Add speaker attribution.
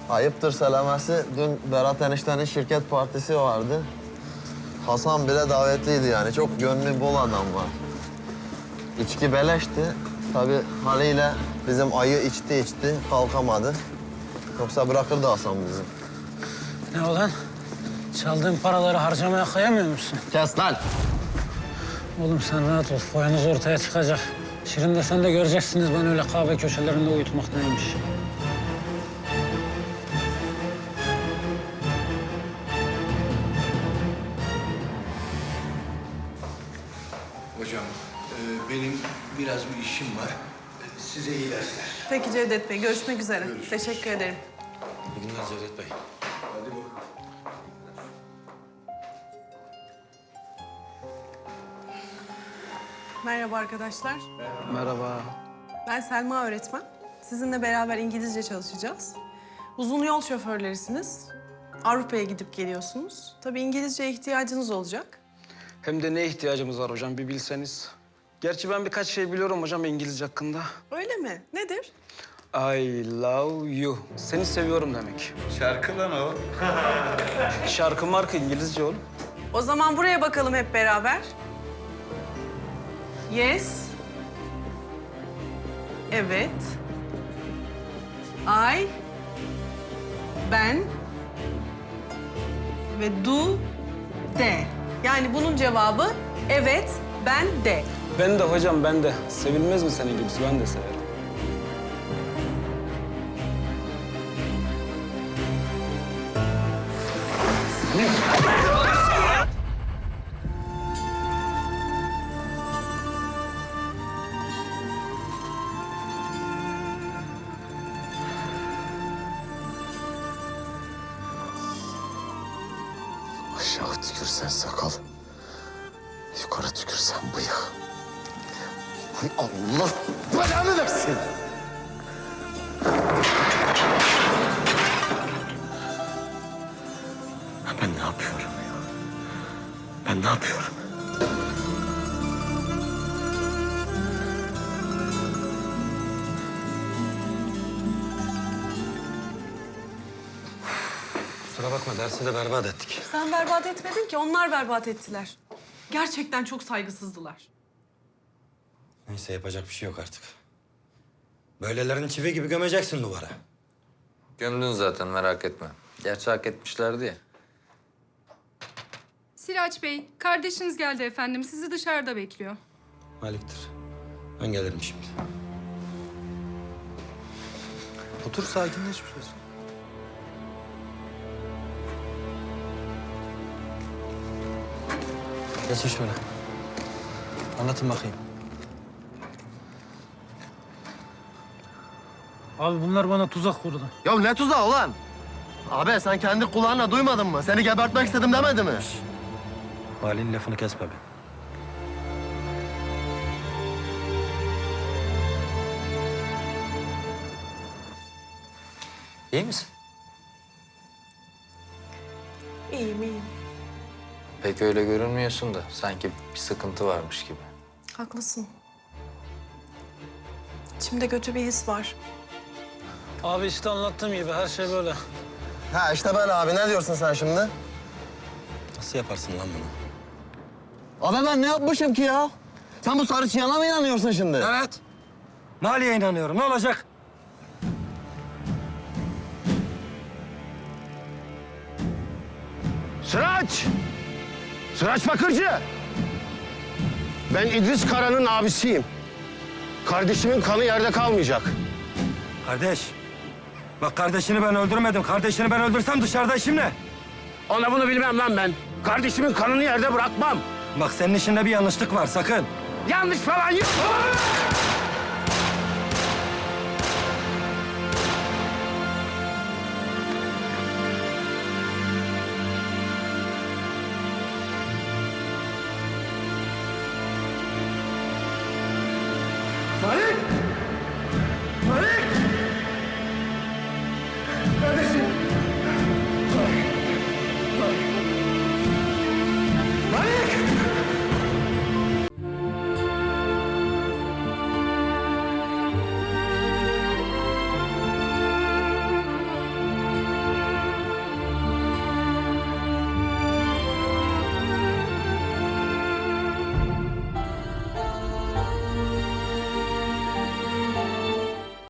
Speaker 1: Ayıptır söylemesi. Dün Berat eniştenin şirket partisi vardı. Hasan bile davetliydi yani. Çok gönlü bol adam var. İçki beleşti. Tabii haliyle bizim ayı içti kalkamadı. Yoksa bırakırdı Hasan bizi.
Speaker 2: Ne olan? Çaldığın paraları harcamaya kıyamıyor musun?
Speaker 1: Kes lan!
Speaker 2: Oğlum sen rahat ol. Foyanız ortaya çıkacak. Şirin de sen de göreceksiniz ben öyle kahve köşelerinde uyutmak neymiş.
Speaker 3: Hocam, benim biraz bir işim var. Size iyi dersler.
Speaker 4: Peki Cevdet Bey, görüşmek üzere. Teşekkür ederim.
Speaker 5: İyi günler Cevdet Bey.
Speaker 3: Hadi bakalım.
Speaker 4: Merhaba arkadaşlar.
Speaker 2: Merhaba.
Speaker 4: Ben Selma öğretmen. Sizinle beraber İngilizce çalışacağız. Uzun yol şoförlerisiniz. Avrupa'ya gidip geliyorsunuz. Tabii İngilizceye ihtiyacınız olacak.
Speaker 2: Hem de ne ihtiyacımız var hocam bir bilseniz. Gerçi ben birkaç şey biliyorum hocam İngilizce hakkında.
Speaker 4: Öyle mi? Nedir?
Speaker 2: I love you. Seni seviyorum demek.
Speaker 3: Şarkı lan o.
Speaker 2: Şarkı marka İngilizce oğlum.
Speaker 4: O zaman buraya bakalım hep beraber. Yes. Evet. I. Ben. Ve do. De. Yani bunun cevabı evet, ben de.
Speaker 2: Ben de hocam ben de. Sevilmez mi senin gibisi? Ben de severim.
Speaker 5: Aşağı tükürsen sakal, yukarı tükürsen bıyık. Hay Allah belanı versin. Ben ne yapıyorum ya? Ben ne yapıyorum? Kusura bakma, dersi de berbat ettik.
Speaker 4: Sen berbat etmedin ki, onlar berbat ettiler. Gerçekten çok saygısızdılar.
Speaker 5: Neyse, yapacak bir şey yok artık. Böylelerini çivi gibi gömeceksin duvara.
Speaker 6: Gömdün zaten merak etme. Gerçi hak etmişlerdi ya.
Speaker 7: Siraç Bey, kardeşiniz geldi efendim. Sizi dışarıda bekliyor.
Speaker 5: Malik'tir. Ben gelirim şimdi. Otur, sakinleş biraz. Geçin şöyle. Anlatın bakayım.
Speaker 2: Abi bunlar bana tuzak kurdu.
Speaker 1: Ya ne tuzağı ulan? Abi sen kendi kulağınla duymadın mı? Seni gebertmek istedim demedi mi?
Speaker 5: Valinin lafını kesme be.
Speaker 6: İyi misin?
Speaker 4: İyiyim, iyiyim.
Speaker 6: Pek öyle görünmüyorsun da sanki bir sıkıntı varmış gibi.
Speaker 4: Haklısın. İçimde kötü bir his var.
Speaker 2: Abi işte anlattığım gibi her şey böyle.
Speaker 1: Ha işte ben abi. Ne diyorsun sen şimdi?
Speaker 5: Nasıl yaparsın lan bunu?
Speaker 1: Abi ben ne yapmışım ki ya? Sen bu sarı çiyana mı inanıyorsun şimdi?
Speaker 5: Evet. Mali'ye inanıyorum. Ne olacak?
Speaker 8: Sıraç! Sıraç Bakırcı! Ben İdris Kara'nın abisiyim. Kardeşimin kanı yerde kalmayacak.
Speaker 5: Kardeş. Bak kardeşini ben öldürmedim. Kardeşini ben öldürsem dışarıda işim ne?
Speaker 8: Ona bunu bilmem lan ben. Kardeşimin kanını yerde bırakmam.
Speaker 5: Bak senin işinde bir yanlışlık var sakın.
Speaker 8: Yanlış falan yok.